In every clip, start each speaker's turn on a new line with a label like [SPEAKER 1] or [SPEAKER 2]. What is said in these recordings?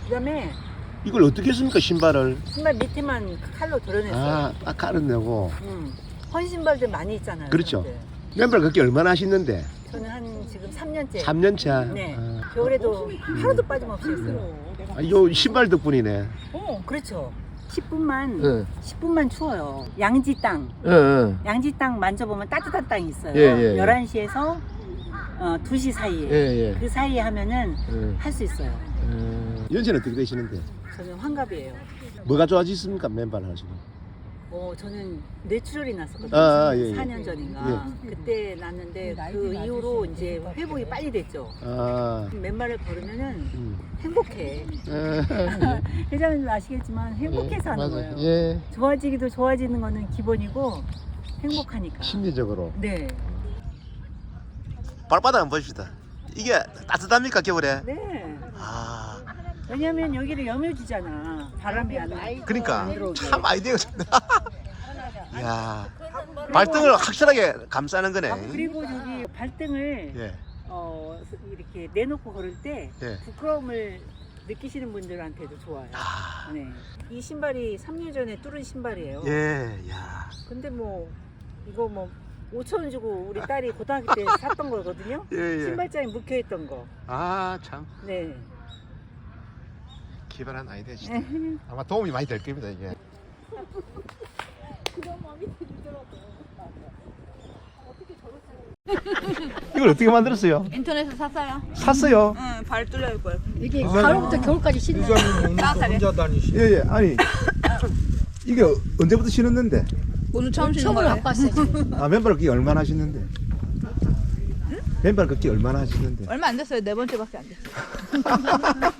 [SPEAKER 1] 그다음에
[SPEAKER 2] 이걸 어떻게 했습니까, 신발을?
[SPEAKER 1] 신발 밑에만 칼로 드러냈어요.
[SPEAKER 2] 아, 딱 가르내고.
[SPEAKER 1] 헌 신발들 많이 있잖아요.
[SPEAKER 2] 그렇죠.
[SPEAKER 1] 그런데.
[SPEAKER 2] 맨발 걷기 얼마나 하시는데?
[SPEAKER 1] 저는 한 지금 3년째.
[SPEAKER 2] 3년차.
[SPEAKER 1] 네.
[SPEAKER 2] 아.
[SPEAKER 1] 겨울에도 하루도 빠짐없이 했어요.
[SPEAKER 2] 아, 요 신발 덕분이네.
[SPEAKER 1] 그렇죠. 10분만
[SPEAKER 2] 예.
[SPEAKER 1] 10분만 추워요. 양지 땅.
[SPEAKER 2] 예.
[SPEAKER 1] 양지 땅 만져보면 따뜻한 땅이 있어요.
[SPEAKER 2] 예, 예, 예.
[SPEAKER 1] 11시에서 2시 사이에.
[SPEAKER 2] 예.
[SPEAKER 1] 그 사이에 하면은
[SPEAKER 2] 예.
[SPEAKER 1] 할 수 있어요.
[SPEAKER 2] 연세는 어떻게 되시는데?
[SPEAKER 1] 저는 환갑이에요.
[SPEAKER 2] 뭐가 좋아지십니까, 맨발 하시고?
[SPEAKER 1] 저는 뇌출혈이 났었거든요.
[SPEAKER 2] 예, 예.
[SPEAKER 1] 4년 전인가. 그때 났는데 그 이후로 이제 회복이 빨리 됐죠.
[SPEAKER 2] 아.
[SPEAKER 1] 맨발을 걸으면은 행복해. 회장님 아시겠지만 행복해서 하는 거예요.
[SPEAKER 2] 예.
[SPEAKER 1] 좋아지기도 좋아지는 거는 기본이고 행복하니까.
[SPEAKER 2] 심리적으로.
[SPEAKER 1] 네.
[SPEAKER 2] 발바닥 한번 봅시다. 이게 따뜻합니까, 겨울에?
[SPEAKER 1] 네.
[SPEAKER 2] 아.
[SPEAKER 1] 왜냐면 여기를 여며주잖아. 바람이 안 들어오게.
[SPEAKER 2] 그러니까 참 아이디어가 좋다. 야, 발등을 확실하게 감싸는 거네.
[SPEAKER 1] 그리고 저기 발등을
[SPEAKER 2] 예.
[SPEAKER 1] 이렇게 내놓고 걸을 때
[SPEAKER 2] 예.
[SPEAKER 1] 부끄러움을 느끼시는 분들한테도 좋아요.
[SPEAKER 2] 아.
[SPEAKER 1] 네. 이 신발이 3년 전에 뚫은 신발이에요.
[SPEAKER 2] 예. 야.
[SPEAKER 1] 근데 뭐 이거 뭐 5,000원 주고 우리 딸이 고등학교 때 샀던 거거든요.
[SPEAKER 2] 예.
[SPEAKER 1] 신발장에 묵혀있던 거.
[SPEAKER 2] 아, 참
[SPEAKER 1] 네.
[SPEAKER 2] 기발한 아이디어시다. 아마 도움이 많이 될 겁니다, 이게. 이걸 어떻게 만들었어요?
[SPEAKER 3] 인터넷에서 샀어요.
[SPEAKER 2] 샀어요.
[SPEAKER 3] 응, 발 뚫려올 걸.
[SPEAKER 4] 이게 가을부터 겨울까지 신는
[SPEAKER 3] 혼자
[SPEAKER 4] 다니시.
[SPEAKER 2] 예. 아니 이게 언제부터 신었는데?
[SPEAKER 3] 오늘 처음 신는
[SPEAKER 4] 처음으로
[SPEAKER 3] 거예요.
[SPEAKER 4] 갖고 왔어요. 지금.
[SPEAKER 2] 아, 맨발 걷기 얼마나 하시는데? 맨발 걷기 얼마나 하시는데?
[SPEAKER 3] 얼마 안 됐어요. 네 번째밖에 안 됐어요.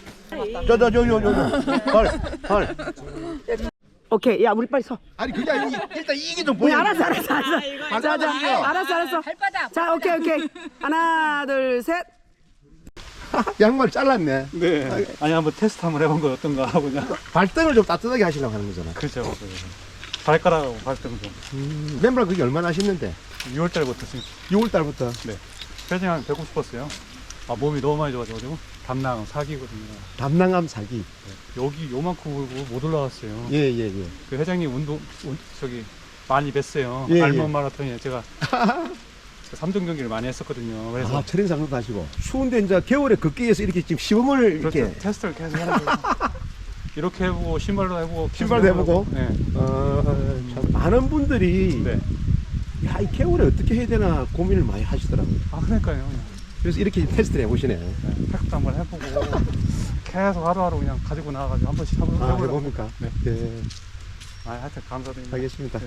[SPEAKER 2] 발.
[SPEAKER 1] 오케이. 야, 우리 빨리 서.
[SPEAKER 2] 아니 그게 아니 일단 이게 좀 보여.
[SPEAKER 1] 알았어.
[SPEAKER 3] 발바닥.
[SPEAKER 1] 자, 오케이. 하나, 둘, 셋.
[SPEAKER 2] 양말 잘랐네.
[SPEAKER 5] 네. 아니 한번 테스트 한번 해본 거 어떤가 하고 그냥.
[SPEAKER 2] 발등을 좀 따뜻하게 하시려고 하는 거잖아.
[SPEAKER 5] 그렇죠. 발가락하고 발등 좀.
[SPEAKER 2] 맨발 걷기 얼마나 하시는데?
[SPEAKER 5] 6월 달부터 지금
[SPEAKER 2] 6월 달부터.
[SPEAKER 5] 네. 회장이 배고 싶었어요. 아 몸이 너무 많이 좋아져가지고 담낭 사기거든요.
[SPEAKER 2] 담낭암 사기.
[SPEAKER 5] 여기 요만큼 울고 못 올라왔어요.
[SPEAKER 2] 예.
[SPEAKER 5] 그 회장님 저기 많이 뵀어요.
[SPEAKER 2] 예,
[SPEAKER 5] 알몬
[SPEAKER 2] 예.
[SPEAKER 5] 마라톤에 제가 3등 경기를 많이 했었거든요. 그래서
[SPEAKER 2] 아, 트레이닝 장도 하시고. 추운데 이제 겨울에 걷기 위해서 이렇게 지금 시범을
[SPEAKER 5] 그렇죠.
[SPEAKER 2] 이렇게.
[SPEAKER 5] 테스트를 계속 하는 거예요. 이렇게 해보고 신발도 해보고 계속
[SPEAKER 2] 신발도 해보고?
[SPEAKER 5] 네.
[SPEAKER 2] 참 많은 분들이
[SPEAKER 5] 네.
[SPEAKER 2] 야, 이 겨울에 어떻게 해야 되나 고민을 많이 하시더라고요.
[SPEAKER 5] 아 그러니까요.
[SPEAKER 2] 그래서 이렇게 테스트를 해보시네.
[SPEAKER 5] 네, 팩도 한번 해보고 계속 하루하루 그냥 가지고 나와가지고 한 번씩 해보려고.
[SPEAKER 2] 해봅니까?
[SPEAKER 5] 네.
[SPEAKER 2] 네.
[SPEAKER 5] 하여튼 감사드립니다.
[SPEAKER 2] 알겠습니다.